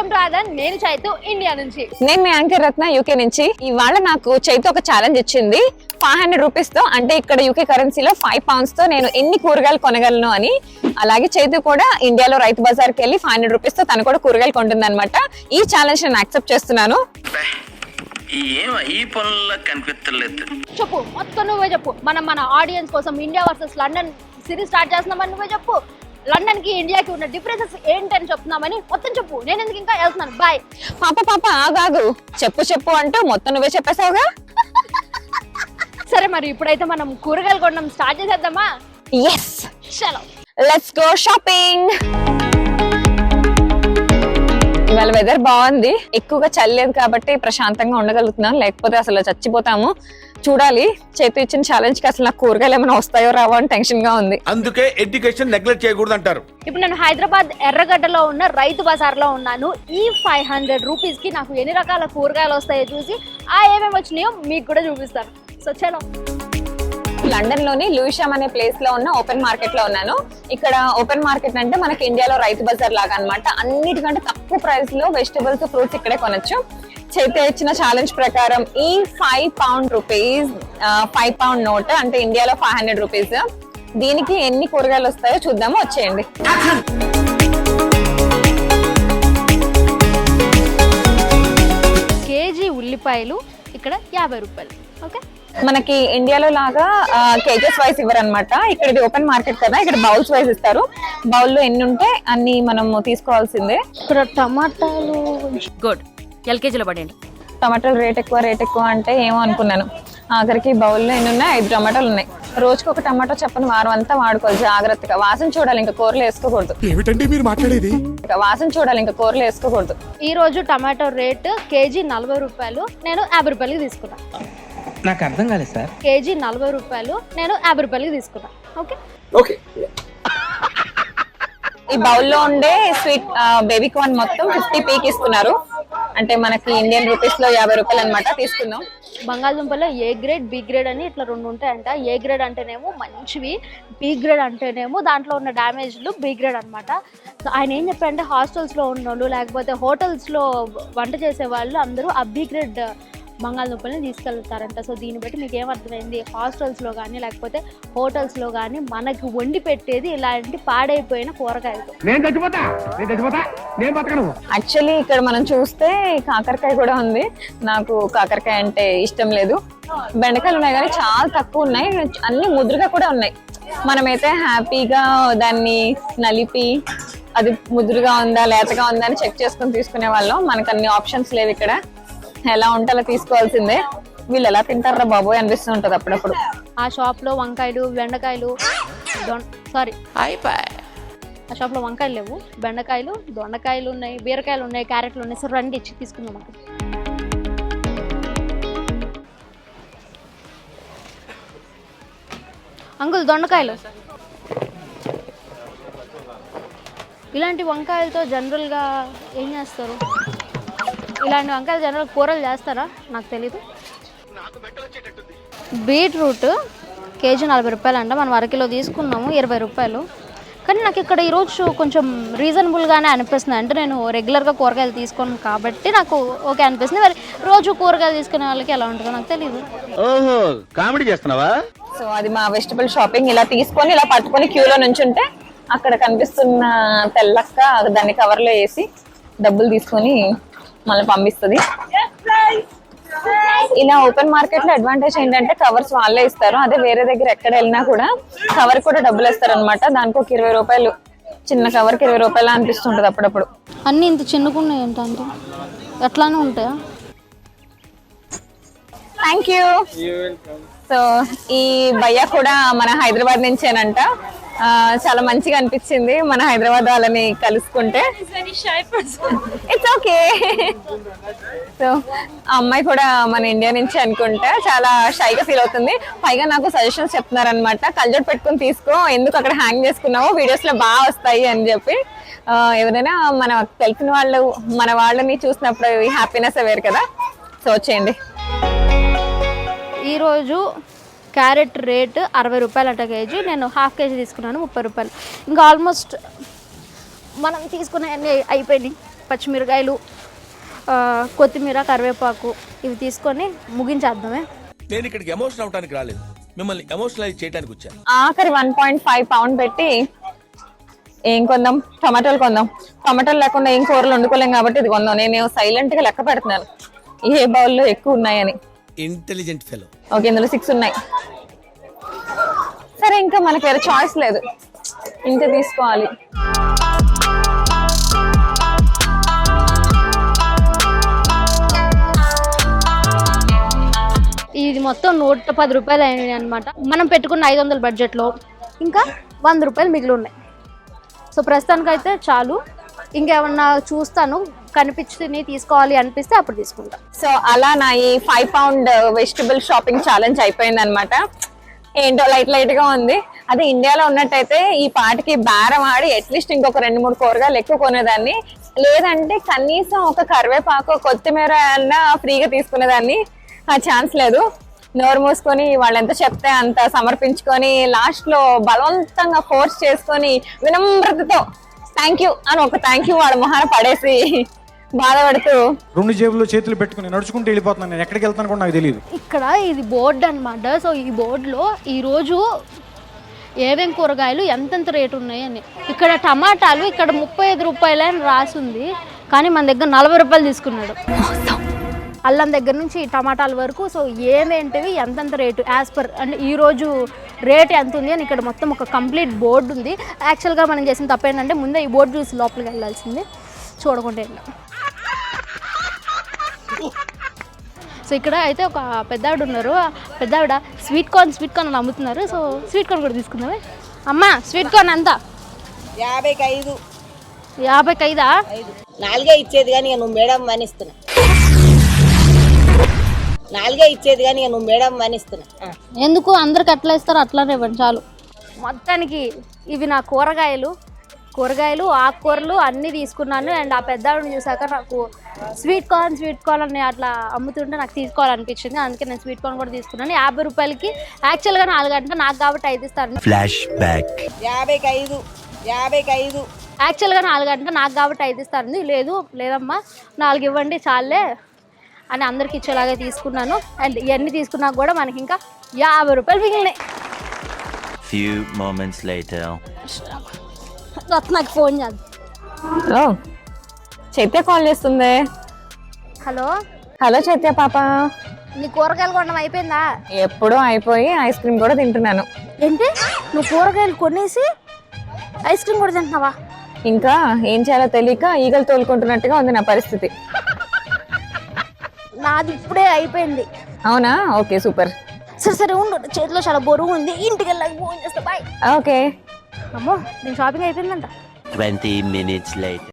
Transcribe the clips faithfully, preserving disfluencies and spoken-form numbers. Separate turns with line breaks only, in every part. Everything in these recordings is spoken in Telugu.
Welcome to Aadhan. నేను చైతు ఇండియా నుంచి.
నేను మీ యాంకర్ రత్న యూకే నుంచి. ఇవాళ నాకు చైతు ఒక ఛాలెంజ్ ఇచ్చింది. ఫైవ్ హండ్రెడ్ రూపీస్ తో, అంటే ఇక్కడ యూకే కరెన్సీలో ఫైవ్ పౌండ్స్ తో నేను ఎన్ని కూరగాయలు కొనగలను అని. అలాగే చైతు కూడా ఇండియాలో రైతు బజార్కి వెళ్ళి ఫైవ్ హండ్రెడ్ రూపీస్ తో తను కూడా కూరగాయలు కొంటుంది అనమాట. ఈ ఛాలెంజ్ నేను యాక్సెప్ట్ చేస్తున్నాను.
చెప్పు, మొత్తం నువ్వే చెప్పు. మనం మన ఆడియన్స్ కోసం India versus London series start చేస్తున్నామని నువ్వే చెప్పు. లండన్ కి ఇండియాకి ఉన్న డిఫరెన్సెస్ ఏంటని చెప్తున్నామని మొత్తం చెప్పు. నేను ఎందుకు ఇంకా వెళ్తున్నాను. బాయ్.
పాప పాప ఆగాగు, చెప్పు చెప్పు అంటూ మొత్తం నువ్వే చెప్పేసావుగా.
సరే, మరి ఇప్పుడైతే మనం కూరగాయలు కొనడం స్టార్ట్ చేసేద్దామా?
ఎస్,
చలో
లెట్స్ గో షాపింగ్. ఇవాళ వెదర్ బాగుంది, ఎక్కువగా చల్లేదు కాబట్టి ప్రశాంతంగా ఉండగలుగుతున్నాం, లేకపోతే అసలు చచ్చిపోతాము. చూడాలి, చేతి ఇచ్చిన ఛాలెంజ్ కి అసలు నాకు కూరగాయలు ఏమైనా వస్తాయో రావో అని టెన్షన్ గా ఉంది.
అందుకే ఎడ్యుకేషన్ నెగ్లెక్ట్ చేయకూడదు అంటారు.
ఇప్పుడు నేను హైదరాబాద్ ఎర్రగడ్డలో ఉన్న రైతు బజార్ లో ఉన్నాను. ఈ ఫైవ్ హండ్రెడ్ రూపీస్ కి నాకు ఎన్ని రకాల కూరగాయలు వస్తాయో చూసి ఆ ఏమేమి వచ్చినాయో మీకు కూడా చూపిస్తాను. సో చలో.
లండన్ లోని లూయిషామ్ అనే ప్లేస్ లో ఉన్న ఓపెన్ మార్కెట్ లో ఉన్నాను. ఇక్కడ ఓపెన్ మార్కెట్ అంటే మనకి ఇండియాలో రైతు బజార్ లాగా అన్నమాట. అన్నిటికంటే తక్కువ ప్రైస్ లో వెజిటబుల్స్, ఫ్రూట్స్ ఇక్కడే కొనొచ్చు. చేతి ఇచ్చిన ఛాలెంజ్ ప్రకారం ఈ five pound rupees five pound note అంటే ఇండియాలో ఫైవ్ హండ్రెడ్ రూపీస్, దీనికి ఎన్ని కూరగాయలు వస్తాయో చూద్దాము. వచ్చేయండి.
కేజీ ఉల్లిపాయలు ఇక్కడ యాభై రూపాయలు. ఓకే,
మనకి ఇండియాలో లాగా కేజెస్ వైజ్ ఇవ్వరు అనమాట. ఇక్కడ ఇది ఓపెన్ మార్కెట్ కదా, ఇక్కడ బౌల్స్ వైజ్ ఇస్తారు. బౌల్ లో ఎన్ని ఉంటే అన్ని మనం తీసుకోవాల్సిందే.
ఇక్కడ టమాటాలు
గుడ్ ఎల్కేజీలో పడండి.
టమాటాలు రేట్ ఎక్కువ రేట్ ఎక్కువ అంటే ఏమో అనుకున్నాను. ఆఖరికి బౌల్లో ఎన్ని ఉన్నాయి? ఐదు టమాటాలు ఉన్నాయి. రోజుకి ఒక టమాటో చెప్పని వారం అంతా వాడుకోవాలి జాగ్రత్తగా. వాసన చూడాలి, ఇంకా కూరలు వేసుకోకూడదు.
ఏమిటండి మీరు మాట్లాడేది?
వాసన చూడాలి, ఇంకా కూరలు వేసుకోకూడదు.
ఈ రోజు టమాటో రేట్ కేజీ నలభై రూపాయలు, నేను యాభై రూపాయలకి తీసుకున్నా.
నాకు అర్థం కాలేదు సార్.
కేజీ నలభై రూపాయలు, నేను యాభై రూపాయలకి తీసుకున్నా. Okay
okay.
ఈ బౌల్లో ఉండే స్వీట్ బేబీ కార్న్ మొత్తం ఫిఫ్టీ పీకి ఇస్తున్నారు, అంటే మనకి ఇండియన్ రూపీస్ లో యాభై రూపాయలు అనమాట. తీసుకుందాం.
బంగాళదుంపలో ఏ గ్రేడ్, బి గ్రేడ్ అని ఇట్లా రెండు ఉంటాయంట. ఏ గ్రేడ్ అంటేనేమో మంచివి, బి గ్రేడ్ అంటేనేమో దాంట్లో ఉన్న డ్యామేజ్లు బి గ్రేడ్ అనమాట. సో ఆయన ఏం చెప్పారంటే హాస్టల్స్లో ఉన్న వాళ్ళు లేకపోతే హోటల్స్లో వంట చేసే వాళ్ళు అందరూ ఆ బి గ్రేడ్ బంగాళదుంపల్ని తీసుకెళ్తారంట. సో దీన్ని బట్టి మీకు ఏమర్థమైంది? హాస్టల్స్లో కానీ లేకపోతే హోటల్స్లో కానీ మనకి వండి పెట్టేది ఇలాంటి పాడైపోయిన కూరగాయలు.
యాక్చువల్లీ ఇక్కడ మనం చూస్తే కాకరకాయ కూడా ఉంది. నాకు కాకరకాయ అంటే ఇష్టం లేదు. బెండకాయలు ఉన్నాయి కానీ చాలా తక్కువ ఉన్నాయి, అన్ని ముద్రగా కూడా ఉన్నాయి. మనమైతే హ్యాపీగా దాన్ని నలిపి అది ముద్రగా ఉందా లేతగా ఉందా అని చెక్ చేసుకుని తీసుకునే వాళ్ళం. మనకు అన్ని ఆప్షన్స్ లేవు ఇక్కడ. ఎలా ఉంటే అలా తీసుకోవాల్సిందే. వీళ్ళు ఎలా తింటారా బాబోయ్ అనిపిస్తూ ఉంటది అప్పుడప్పుడు.
ఆ షాప్ లో వంకాయలు, బెండకాయలు, సారీ ఆ షాప్ లో వంకాయలు లేవు, బెండకాయలు, దొండకాయలు ఉన్నాయి, బీరకాయలు ఉన్నాయి, క్యారెట్లు ఉన్నాయి. సో రండి ఇచ్చి తీసుకుందాం. అక్కడ అంకుల్ దొండకాయలు. ఇలాంటి వంకాయలతో జనరల్గా ఏం చేస్తారు? ఇలాంటి వంకాయలు జనరల్ కూరలు చేస్తారా? నాకు తెలీదు. బీట్రూట్ కేజీ నలభై రూపాయలు అంట. మనం అరకిలో తీసుకున్నాము ఇరవై రూపాయలు. కానీ నాకు ఇక్కడ ఈరోజు కొంచెం రీజనబుల్గానే అనిపిస్తుంది. అంటే నేను రెగ్యులర్గా కూరగాయలు తీసుకోను కాబట్టి నాకు ఓకే అనిపిస్తుంది. మరి రోజు కూరగాయలు తీసుకునే వాళ్ళకి ఎలా ఉంటుందో నాకు తెలీదు.
ఓహో, కామెడీ చేస్తున్నావా?
సో అది మా వెజిటబుల్ షాపింగ్. ఇలా తీసుకొని ఇలా పట్టుకొని క్యూలో నుంచుంటే అక్కడ కనిపిస్తున్న తెల్లక్క దాన్ని కవర్లో వేసి డబ్బులు తీసుకొని మళ్ళీ పంపిస్తుంది. ఇలా ఓపెన్ మార్కెట్ లో అడ్వాంటేజ్ ఏంటంటే కవర్స్ వాళ్ళే ఇస్తారు. అదే వేరే దగ్గర ఎక్కడ వెళ్ళినా కూడా కవర్ కూడా డబ్బులు ఇస్తారు అనమాట. దానికి ఒక ఇరవై రూపాయలు, చిన్న కవర్ కి ఇరవై రూపాయలు అనిపిస్తుంటది అప్పుడప్పుడు.
అన్ని ఇంత చిన్నకున్నాయి ఏంటంటే ఎట్లానే ఉంటాయా?
Thank you. సో ఈ భయ్య కూడా మన హైదరాబాద్ నుంచేనంట. చాలా మంచిగా అనిపించింది మన హైదరాబాద్ వాళ్ళని కలుసుకుంటే. It's okay. సో ఆ అమ్మాయి కూడా మన ఇండియా నుంచి అనుకుంటా. చాలా షైగా ఫీల్ అవుతుంది. పైగా నాకు సజెషన్స్ చెప్తున్నారు అనమాట. కల్జోట్ పెట్టుకుని తీసుకో, ఎందుకు అక్కడ హ్యాంగ్ చేసుకున్నావో వీడియోస్ లో బాగా వస్తాయి అని చెప్పి. ఎవరైనా మన తెలిసిన వాళ్ళు మన వాళ్ళని చూసినప్పుడు హ్యాపీనెస్ వేరు కదా. సో వచ్చేయండి.
ఈరోజు క్యారెట్ రేట్ అరవై రూపాయలు అట కేజీ. నేను హాఫ్ కేజీ తీసుకున్నాను ముప్పై రూపాయలు. ఇంకా ఆల్మోస్ట్ మనం తీసుకునే అన్నీ అయిపోయినాయి. పచ్చిమిరకాయలు, కొత్తిమీర, కరివేపాకు ఇవి తీసుకొని ముగించేద్దామే.
నేను ఇక్కడికి ఎమోషనల్ అవడానికి రాలేదు, మిమ్మల్ని ఎమోషనలైజ్ చేయడానికి వచ్చాను.
ఆఖరి వన్ పాయింట్ ఫైవ్ పౌండ్ పెట్టి ఏం కొందాం? టమాటాలు కొందాం. టమాటాలు లేకుండా ఏం కూరలు వండుకోలేం కాబట్టి ఇది కొందాం. నేను సైలెంట్ గా లెక్క పెడుతున్నాను ఏ బౌల్లో ఎక్కువ ఉన్నాయని.
Intelligent fellow.
ఓకే, ఇందులో సిక్స్ ఉన్నాయి. సరే, ఇంకా మనకి వేరే చాయిస్ లేదు, ఇంకా తీసుకోవాలి.
ఇది మొత్తం నూట పది రూపాయలు అయినాయి అనమాట. మనం పెట్టుకున్న ఐదు వందల బడ్జెట్లో ఇంకా వంద రూపాయలు మిగిలి ఉన్నాయి. సో ప్రస్తుతానికైతే చాలు. ఇంకేమన్నా చూస్తాను, కనిపించి తీసుకోవాలి అనిపిస్తే అప్పుడు తీసుకుంటా.
సో అలా నా ఈ five pound vegetable shopping challenge అయిపోయింది అనమాట. ఏంటో లైట్ లైట్ గా ఉంది. అదే ఇండియాలో ఉన్నట్టయితే ఈ పాటికి బేరం ఆడి అట్లీస్ట్ ఇంకొక రెండు మూడు కూరగాయలు ఎక్కువ కొనేదాన్ని, లేదంటే కనీసం ఒక కరివేపాకు, కొత్తిమీర అన్నా ఫ్రీగా తీసుకునేదాన్ని. ఆ ఛాన్స్ లేదు. నోరు మూసుకొని వాళ్ళు ఎంత చెప్తే అంత సమర్పించుకొని లాస్ట్ లో బలవంతంగా ఫోర్స్ చేసుకొని వినమ్రతతో థ్యాంక్ యూ అని ఒక థ్యాంక్ యూ వాడు మొహాన పడేసి బాధపడుతూ
రెండు జేబుల్లో చేతులు పెట్టుకుని నడుచుకుంటూ వెళ్ళిపోతున్నాను. నేను ఎక్కడికి వెళ్తాను కూడా నాకు తెలియదు.
ఇక్కడ ఇది బోర్డు అనమాట. సో ఈ బోర్డులో ఈరోజు ఏమేం కూరగాయలు ఎంతెంత రేటు ఉన్నాయని. ఇక్కడ టమాటాలు ఇక్కడ ముప్పై ఐదు రూపాయలు అని రాసింది, కానీ మన దగ్గర నలభై రూపాయలు తీసుకున్నాడు. అల్లం దగ్గర నుంచి టమాటాల వరకు. సో ఏమేంటివి ఎంతెంత రేటు యాజ్ పర్ అంటే ఈరోజు రేట్ ఎంత ఉంది అని ఇక్కడ మొత్తం ఒక కంప్లీట్ బోర్డు ఉంది. యాక్చువల్గా మనం చేసిన తప్పు ఏంటంటే ముందే ఈ బోర్డు చూసి లోపలికి వెళ్ళాల్సింది, చూడకుండా వెళ్ళాం. సో ఇక్కడ అయితే ఒక పెద్ద ఆవిడ ఉన్నారు. పెద్ద ఆవిడ స్వీట్ కార్న్ స్వీట్ కార్న్ అని అమ్ముతున్నారు. సో స్వీట్ కార్న్ కూడా తీసుకుందామే. అమ్మ స్వీట్ కార్న్ ఎంత?
యాభైకి ఐదు.
యాభైకి ఐదా?
నాలుగే ఇచ్చేది కానీ నువ్వు మేడం మనిస్తున్నా. నాలుగే ఇచ్చేది కానీ నువ్వు మేడం మనిస్తున్నా.
ఎందుకు అందరికి అట్లా ఇస్తారు? అట్లానే ఇవ్వండి చాలు. మొత్తానికి ఇవి నా కూరగాయలు కూరగాయలు ఆకుకూరలు అన్నీ తీసుకున్నాను. అండ్ ఆ పెద్ద ఆవిడని చూసాక నాకు స్వీట్ కార్న్ స్వీట్ కార్న్ అని అట్లా అమ్ముతుంటే నాకు తీసుకోవాలనిపించింది. అందుకే నేను స్వీట్ కార్న్ కూడా తీసుకున్నాను. యాభై రూపాయలకి యాక్చువల్గా నాలుగు గంటలు నాకు కాబట్టి ఐదు ఇస్తాను.
Flash back.
యాభైకి ఐదు. యాభైకి ఐదు.
యాక్చువల్గా నాలుగు గంటలు నాకు కాబట్టి ఐదు ఇస్తాను. లేదు లేదమ్మా నాలుగు ఇవ్వండి చాలే అని అందరికి ఇచ్చేలాగే తీసుకున్నాను. అండ్ ఇవన్నీ తీసుకున్నాక కూడా మనకి ఇంకా యాభై రూపాయలు మిగిలినాయి.
Few moments later.
నాకు ఫోన్ చేద్దాం.
హలో, చైత్య కాల్ చేస్తుంది.
హలో
హలో చైత్య పాప,
నీ కూరగాయలు కొనడం అయిపోయిందా?
ఎప్పుడూ అయిపోయి ఐస్ క్రీమ్ కూడా తింటున్నాను.
ఏంటి నువ్వు కూరగాయలు కొనేసి ఐస్ క్రీమ్ కూడా తింటున్నావా?
ఇంకా ఏం చేయాలో తెలియక ఈగలు తోలుకుంటున్నట్టుగా ఉంది నా పరిస్థితి.
నాది ఇప్పుడే అయిపోయింది.
అవునా? Okay super.
సరే సరే ఉండు, చేతిలో చాలా బరువు ఉంది, ఇంటికి వెళ్ళాక ఫోన్ చేస్తా. బాయ్.
ఓకే.
అమ్మో నేను షాపింగ్ అయిపోయిందంట.
Twenty minutes later.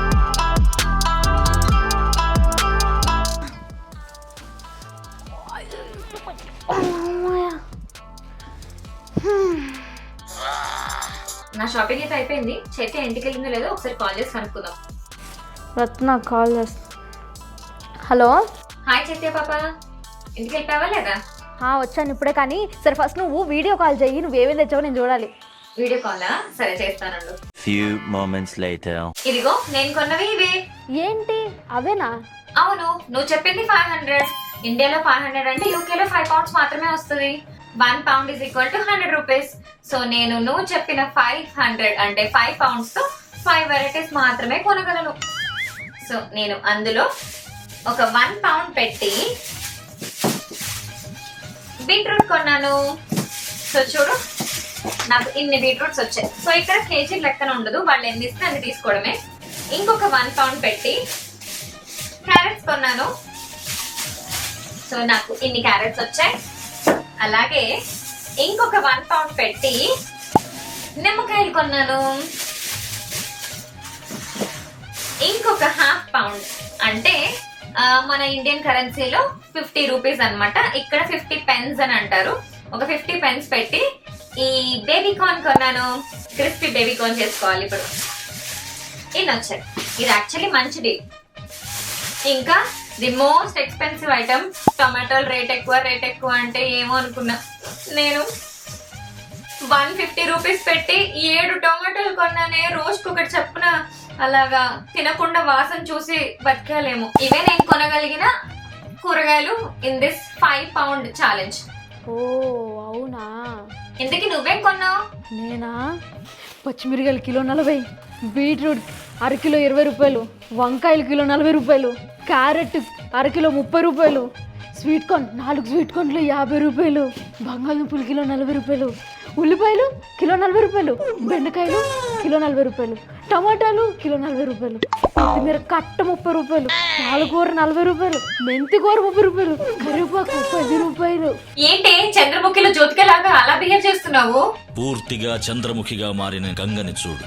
నా షాపింగ్ అయితే అయిపోయింది. చైత్య ఇంటికి వెళ్ళిందో లేదో ఒకసారి కాల్ చేసి కనుక్కుందాం.
రత్న కాల్ చేస్తా. హలో
హాయ్ చైత్య పాప, ఇంటికి వెళ్ళిపోయావా లేదా?
వచ్చాను ఇప్పుడే. కానీ సరే ఫస్ట్ నువ్వు వీడియో కాల్ చెయ్యి, నువ్వేమేమి తెచ్చావో నేను చూడాలి.
వీడియో కాలా? సరే చేస్తానండు.
Few moments later.
ఇదిగో నేను కొన్నవి ఇవే.
ఏంటి అవేనా?
అవును, నువ్వు చెప్పింది ఫైవ్ హండ్రెడ్. ఇండియాలో ఫైవ్ హండ్రెడ్ అంటే యూకేలో ఫైవ్ పౌండ్స్ మాత్రమే వస్తుంది. One pound is equal to hundred rupees. So నేను నువ్వు చెప్పిన ఫైవ్ హండ్రెడ్ అంటే ఫైవ్ పౌండ్స్ తో ఫైవ్ వెరైటీస్ మాత్రమే కొనగలను. సో నేను అందులో ఒక వన్ పౌండ్ పెట్టి బీట్రూట్ కొన్నాను. సో చూడు, నాకు ఇన్ని బీట్రూట్స్ వచ్చాయి. సో ఇక్కడ కేజీ లెక్కన ఉండదు, వాళ్ళు ఎన్ని ఇస్తే అన్ని తీసుకోవడమే. ఇంకొక వన్ పౌండ్ పెట్టి క్యారెట్స్ కొన్నాను. సో నాకు ఇన్ని క్యారెట్స్ వచ్చాయి. అలాగే ఇంకొక వన్ పౌండ్ పెట్టి నిమ్మకాయలు కొన్నాను. ఇంకొక హాఫ్ పౌండ్ అంటే మన ఇండియన్ కరెన్సీలో ఫిఫ్టీ రూపీస్ అనమాట. ఇక్కడ ఫిఫ్టీ పెన్స్ అని అంటారు. ఒక ఫిఫ్టీ పెన్స్ పెట్టి ఈ బేబీ కార్న్ కొన్నాను. క్రిస్పీ బేబీ కార్న్ చేసుకోవాలి ఇప్పుడు. ఇన్ని వచ్చాయి. ఇది యాక్చువల్లీ మంచి డీల్. ఇంకా ది మోస్ట్ ఎక్స్పెన్సివ్ ఐటమ్ టొమాటోలు రేట్ ఎక్కువ రేట్ ఎక్కువ అంటే ఏమో అనుకున్నా. నేను వన్ ఫిఫ్టీ రూపీస్ పెట్టి ఏడు టొమాటోలు కొన్నానే, రోజుకొకటి చెప్పున అలాగా తినకుండా వాసన చూసి బతకాలేము. ఇవే నేను కొనగలిగిన కూరగాయలు in this five pound challenge.
ఓ అవునా,
ఇంతకీ నువ్వేం కొన్నావు?
నేనా పచ్చిమిరకాయలు కిలో నలభై, బీట్రూట్ అరకిలో ఇరవై రూపాయలు, వంకాయలు కిలో నలభై రూపాయలు, క్యారెట్ అరకిలో ముప్పై రూపాయలు, స్వీట్ కార్న్ నాలుగు స్వీట్ కార్న్లు యాభై రూపాయలు, బంగాళదుంపలు కిలో నలభై రూపాయలు, ఉల్లిపాయలు కిలో నలభై రూపాయలు, బెండకాయలు కిలో నలభై రూపాయలు, టమాటాలు కిలో నలభై రూపాయలు, కొత్తిమీర కట్ట ముప్పై రూపాయలు, పాలకూర నలభై రూపాయలు, మెంతి కూర ముప్పై రూపాయలు, కరివేపాకు పది రూపాయలు.
ఏంటి చంద్రముఖిలో జ్యోతికలాగా అలా బిహేవ్ చేస్తున్నావు?
పూర్తిగా చంద్రముఖిగా మారిన గంగని చూడు.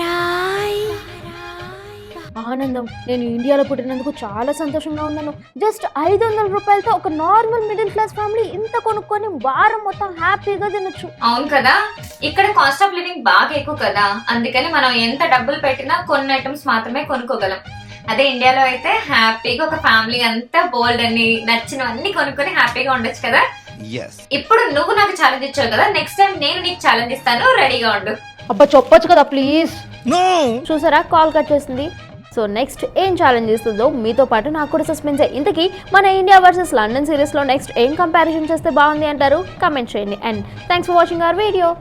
ఆనందం, నేను ఇండియాలో పుట్టినందుకు చాలా సంతోషంగా ఉన్నాను. జస్ట్ ఐదు వందల రూపాయలతో ఒక నార్మల్ మిడిల్ క్లాస్ ఫ్యామిలీ ఇంత కొనుక్కొని వారం మొత్తం హ్యాపీగా తినొచ్చు.
అవును కదా, ఇక్కడ కాస్ట్ ఆఫ్ లివింగ్ బాగా ఎక్కువ కదా, అందుకని మనం ఎంత డబ్బులు పెట్టినా కొన్ని ఐటమ్స్ మాత్రమే కొనుక్కోగలం. అదే ఇండియాలో అయితే హ్యాపీగా ఒక ఫ్యామిలీ అంతా బోల్డ్ అన్ని నచ్చినవన్నీ కొనుక్కొని హ్యాపీగా ఉండొచ్చు కదా. ఇప్పుడు నువ్వు నాకు ఛాలెంజ్ ఇచ్చావు కదా, నెక్స్ట్ టైం నేను నీకు ఛాలెంజ్ ఇస్తాను, రెడీగా ఉండు.
అబ్బా చెప్పొచ్చు కదా ప్లీజ్. చూసారా కాల్ కట్ చేసింది. సో నెక్స్ట్ ఏం ఛాలెంజ్ ఇస్తుందో మీతో పాటు నాకు కూడా సస్పెన్స్. ఇంతకీ మన ఇండియా వర్సెస్ లండన్ సిరీస్లో నెక్స్ట్ ఏం కంపారిజన్ చేస్తే బాగుంది అంటారు? కమెంట్ చేయండి. And thanks for watching our video.